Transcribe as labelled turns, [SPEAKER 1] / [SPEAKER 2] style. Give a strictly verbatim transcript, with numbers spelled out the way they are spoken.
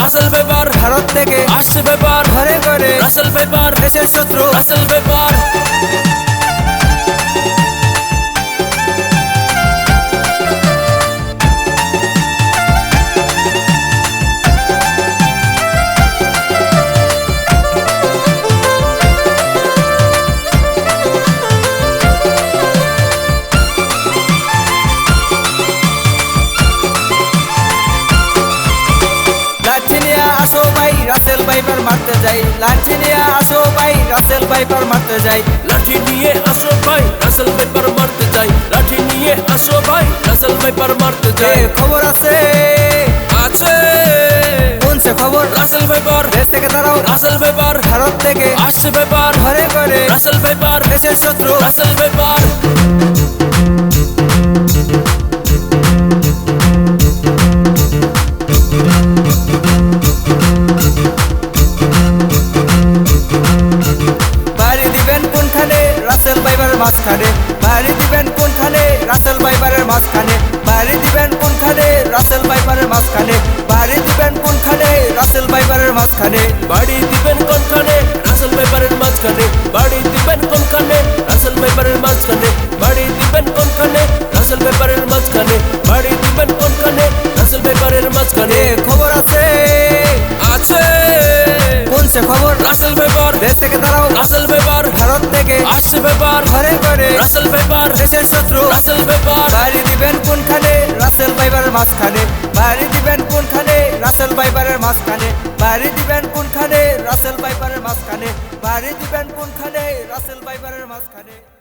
[SPEAKER 1] Russell viper
[SPEAKER 2] Bharat থেকে
[SPEAKER 1] আসছে viper
[SPEAKER 2] ঘরে ঘরে
[SPEAKER 1] রাসেল ভাইপার
[SPEAKER 2] দেশের শত্রু
[SPEAKER 1] রাসেল ভাইপার
[SPEAKER 2] আসো ভাই রাসেল ভাইপার মারতে যাই লাঠি নিয়ে আসো ভাই রাসেল ভাইপার মারতে যাই
[SPEAKER 1] লাঠি নিয়ে আসো ভাই রাসেল ভাইপার মারতে যাই লাঠি নিয়ে আসো ভাই রাসেল ভাইপার মারতে যাই
[SPEAKER 2] খবর আছে
[SPEAKER 1] আছে
[SPEAKER 2] কোন সে খবর
[SPEAKER 1] রাসেল ভাইপার
[SPEAKER 2] দেশ থেকে দাঁড়াও
[SPEAKER 1] রাসেল ভাইপার
[SPEAKER 2] ভারত থেকে
[SPEAKER 1] আসছে ভাইপার
[SPEAKER 2] ঘরে ঘরে
[SPEAKER 1] রাসেল ভাইপার
[SPEAKER 2] দেশের শত্রু
[SPEAKER 1] রাসেল ভাইপার
[SPEAKER 2] রাসেল ভাইপারের মাঝখানে বাড়ি দিবেন কোনখানে রাসেল ভাইপারের মাঝখানে বাড়ি দিবেন কোনখানে রাসেল ভাইপারের মাঝখানে বাড়ি দিবেন কোনখানে রাসেল ভাইপারের মাঝখানে
[SPEAKER 1] বাড়ি দিবেন কোনখানে রাসেল ভাইপারের মাঝখানে বাড়ি দিবেন কোনখানে রাসেল ভাইপারের মাঝখানে বাড়ি দিবেন কোনখানে রাসেল ভাইপারের মাঝখানে বাড়ি দিবেন কোনখানে রাসেল ভাইপারের মাঝখানে
[SPEAKER 2] খবর আছে
[SPEAKER 1] আছে
[SPEAKER 2] কোন সে খবর
[SPEAKER 1] রাসেল ভাইপার
[SPEAKER 2] দেশ থেকে দাঁড়াও
[SPEAKER 1] রাসেল ভাইপার
[SPEAKER 2] ভারত থেকে
[SPEAKER 1] আসছে ভাইপার
[SPEAKER 2] ঘরে ঘরে
[SPEAKER 1] রাসেল ভাইপার
[SPEAKER 2] দেশের শত্রু
[SPEAKER 1] রাসেল ভাইপার
[SPEAKER 2] বাড়ি দিবেন কোনখানে রাসেল ভাইপারের মাঝখানে বাড়ি দিবেন কোনখানে রাসেল ভাইপারের মাঝখানে বাড়ি দিবেন কোনখানে রাসেল ভাইপারের মাঝখানে বাড়ি দিবেন কোনখানে রাসেল ভাইপারের মাঝখানে।